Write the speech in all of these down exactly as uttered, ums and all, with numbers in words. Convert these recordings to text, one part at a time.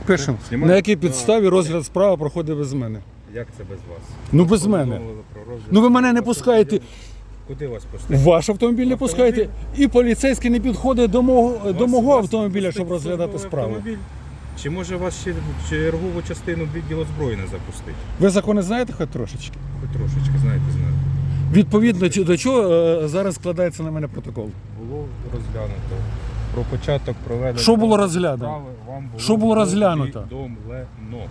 Пишемо. Знімаємо? На якій підставі розгляд справи проходить без мене? Як це без вас? Ну без мене. Повідомили про розгляд. Ну ви мене не пускаєте. Куди вас пустити? В ваш автомобіль не Автомобіль? пускаєте. І поліцейський не підходить до мого, до Вас- мого вас автомобіля, пустить щоб розглядати службовий справу. автомобіль? Чи може вас ще чергову частину відділу зброї не запустити? Ви закони знаєте хоч трошечки? Хоч трошечки, знаєте, знаю. Відповідно чи- до чого е, зараз складається на мене протокол? Було розглянуто. Про початок проведення. Що було розглянуто? справи вам було Що було розглянуто? повідомлено.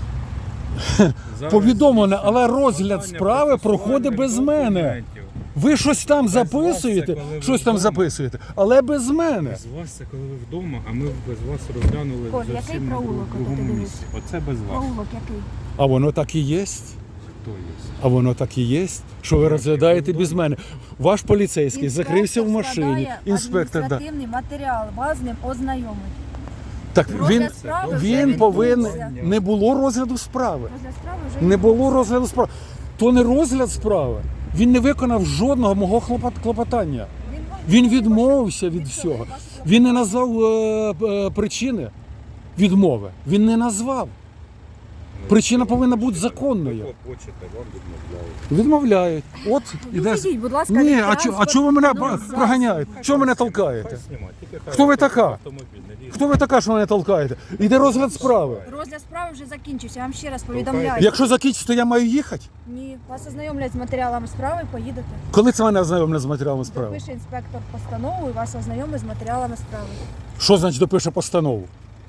Зараз Повідомлено, але здійснюється розгляд складання справи проходить без процесуальних мене. документів. Ви щось там Без вас записуєте, це коли ви щось там вдома. записуєте, але без мене. Без вас це коли ви вдома, а ми без вас розглянули Коль, який зовсім на проулок друг- другому от ти місці. Оце без вас. Проулок який? А воно так і є. Хто є? А воно так і є, що ви розглядаєте без мене. Ваш поліцейський закрився в машині, складає інспектор. Да. адміністративний матеріал, вас з ним ознайомить. Так Розгляд він, справи вже він повинен. відбувся. Не було розгляду справи. Розгляд справи вже Не було відбувся. розгляду справи. То не розгляд справи. Він не виконав жодного мого хлопот- клопотання. Він вам Він відмовив. відмовився від Від всього. цього, вашого Він не назвав е, е, причини відмови. Він не назвав. Причина повинна бути законною. Ви хочете, вам відмовляють. Відмовляють. От іде. Відійдіть, будь ласка, Ні, від а чо, а транспорту. чого ви мене Ну, ба- зараз. проганяєте? Чого ви мене толкаєте? Хай знімать, тільки хай Хто ви автомобіль, така? автомобіль, не лізь. Хто ви така, що мене толкаєте? Іде розгляд справи. Розгляд справи вже закінчився, я вам ще раз Толкаєте? повідомляю. Якщо закінчиться, то я маю їхати. Ні, вас ознайомлять з матеріалами справи, поїдете. Коли це мене ознайомлять з матеріалами справи? Допише інспектор постанову і вас ознайомить з матеріалами справи. Що значить допише постанову?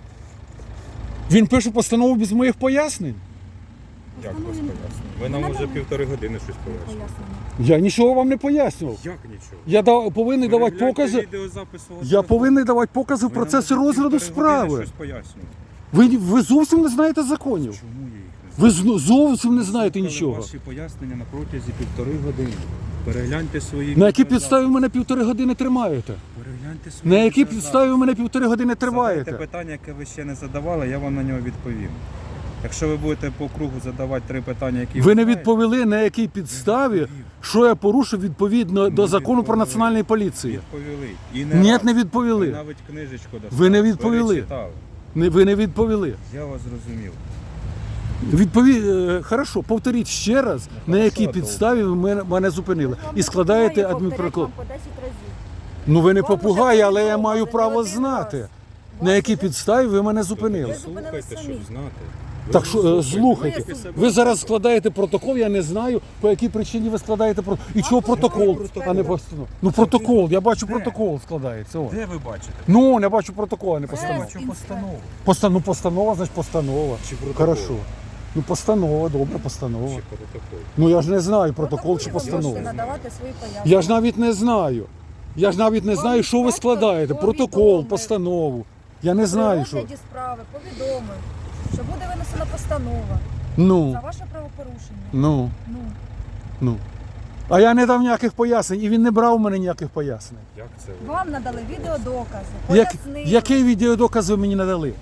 Він пише постанову без моїх пояснень? Як вас Постанову він- пояснює? Ви нам Не уже надо півтори години щось пояснюєте. Пояснення. Я нічого вам не пояснював. Як нічого? Я дав, повинен давати Перегляньте покази. відеозапис свого Я телефону. повинен давати покази в Ви нам процесі уже розгляду півтори години справи. щось пояснюєте. Ви, ви зовсім не знаєте законів. Чому я їх не знаю? Ви з- зовсім не знаєте Слухали нічого. Ваші пояснення на протязі півтори години. Перегляньте свої На якій відеозаписи. підставі ви мене півтори години тримаєте? Перегляньте свої На якій відеозаписи. підставі ви мене півтори години Задайте тримаєте? питання, яке ви ще не задавали, я вам на нього відповім. Якщо ви будете по кругу задавати три питання, які Ви не знаєте, відповіли, на якій підставі, що я порушив відповідно до Не закону про відповіли. національну поліцію. відповіли. І не Ні, раз. не Ви відповіли. навіть книжечку достали. Ви не відповіли. перечитали. Не- Ви не відповіли. Я вас зрозумів. Відпові... е, Хорошо, повторіть ще раз, на якій хорошо, підставі ви мене, мене зупинили. Вам І не складаєте попугає, адмінпротокол. повторять вам по десять разів. Ну ви не Вам уже попугай, але я повідомили маю не право один знати, раз. на Вас якій уже- підставі ви мене зупинили. Ви зупинили Слухайте, самі. щоб знати. Ви Так що е, слухайте, Ви себе ви зараз складаєте протокол, я не знаю, по якій причині ви складаєте протокол. І чого протокол, протокол? а не постанова. Ну протокол, я бачу Де? протокол складається. О. Де ви бачите? Ну, я бачу протокол, а не Це постанова. Бачу інспектор. постанову. Постанова, ну, постанова, значить постанова. Чи протокол? Хорошо. Ну постанова, добре, постанова. Чи протокол? Ну я ж не знаю, протокол чи Протоколі ви постанова. можете надавати свої пояснення. Я ж навіть не знаю. Я ж навіть не Вам знаю, що ви інспектор складаєте. Протокол, повідомив. постанову. Я не При знаю, що. розгляді справи повідомив, що буде винесена постанова Ну, за ваше правопорушення. ну, Ну, ну. А я не дав ніяких пояснень, і він не брав у мене ніяких пояснень. Як це ви? вам надали відеодокази, Як, пояснили. який відеодоказ ви мені надали?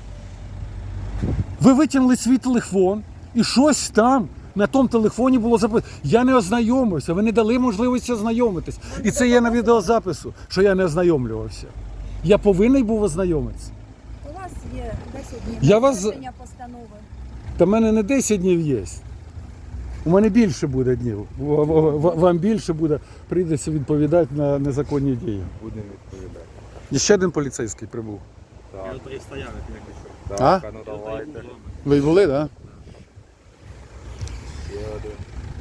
Ви витягнули свій телефон і щось там на тому телефоні було записано. Я не ознайомився, ви не дали можливості ознайомитись. І це є на відеозапису, що я не ознайомлювався. Я повинен був ознайомитися. У вас є десять днів Я на вас- винесення постанови. Та в мене не десять днів є. У мене більше буде днів. В- в- в- Вам більше буде, прийдеться відповідати на незаконні дії. Будемо відповідати. І ще один поліцейський прибув. Так. Я стояв, як я пішов. Так, А? а ну давайте. Ви були, так? Да? Ще один.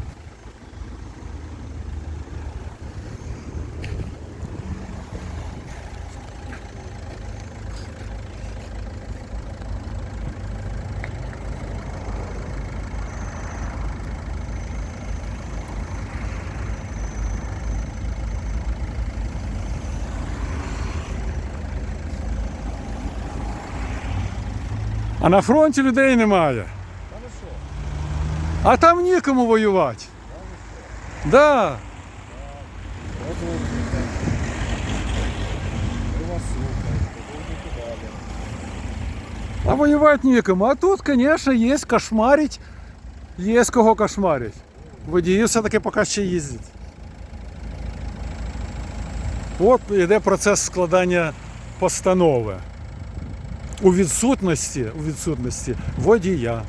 А на фронті людей немає. А там нікому воювати. Да. Ми вас слухаємо, будете далі. А воювати нікому. А тут, звісно, є кошмарить. Є з кого кошмарить. Водії все-таки поки ще їздять. От йде процес складання постанови. У відсутності, у відсутності водія.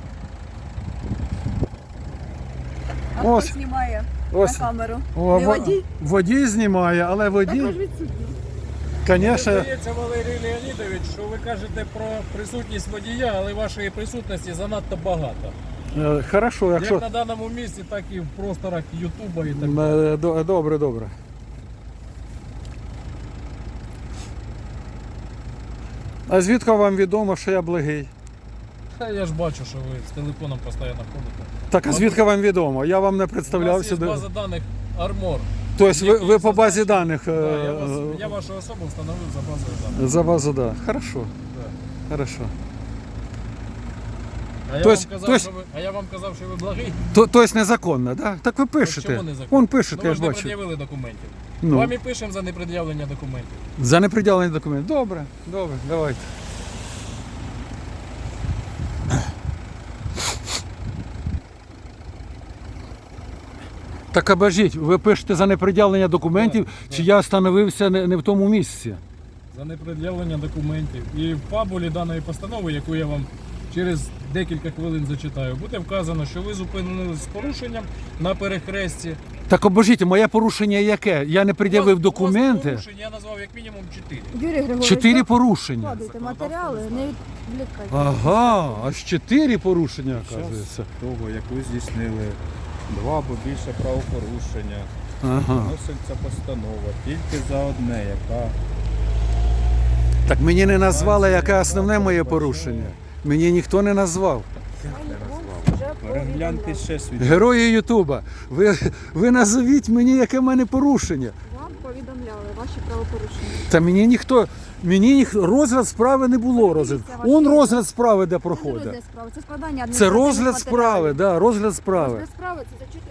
А Ось. хто знімає Ось. на камеру? О, Не во- водій? водій знімає, але Так водій, ви ж відсутні. звісно, Здається, Валерій Леонідович, що ви кажете про присутність водія, але вашої присутності занадто багато. е, хорошо, якщо... Як на даному місці, так і в просторах Ютуба і так далі. Е, до- Добре, добре. А звідки вам відомо, що я благий? Та я ж бачу, що ви з телефоном постійно ходите. Так, а звідки вам відомо? Я вам не У вас представлявся. є до- база даних Армор. Тобто ви, ви по базі зазначені- даних. е, Да, я, вас, я вашу особу встановив за базою даних. За базу, да. Хорошо, Да. хорошо. А я, То вам есть- казав, то есть- що ви, а я вам казав, що ви благий. То, тобто незаконно, да? Так ви пишете. Чому незаконно? Вон пишете, Ну, ви я ж ж не бачу. пред'явили документів. Ну, Вам і пишемо за непред'явлення документів. за неприділені документи. Добре, добре, давайте. Так обожіть, ви пишете за неприділення документів, Так, чи я встановився не, не в тому місці? За непред'явлення документів. І в фабулі даної постанови, яку я вам через декілька хвилин зачитаю, буде вказано, що ви зупинились з порушенням на перехресті. Так обожіть, моє порушення яке? Я не пред'явив У вас- у вас документи. порушень я назвав як мінімум чотири. Юрій Григорович, Чотири ви порушення. вкладайте матеріали, не відвлікайте. Ага, аж чотири порушення, Під час оказується. того, як ви здійснили два або більше правопорушення, Ага. вноситься постанова тільки за одне, яка Так мені не назвали, яке основне моє порушення. Мені ніхто не назвав. Вже перегляньте повідомляли. ще свій. Герої Ютуба, ви, ви назовіть мені, яке в мене порушення. Вам повідомляли ваші правопорушення. Та мені ніхто, мені ніхто, розгляд справи не було розгляд. Он розгляд справи, де Це не проходить. розгляд справи, це складання Це адміністративних розгляд справи, матеріалів. да, розгляд справи. Розгляд справи це зачитування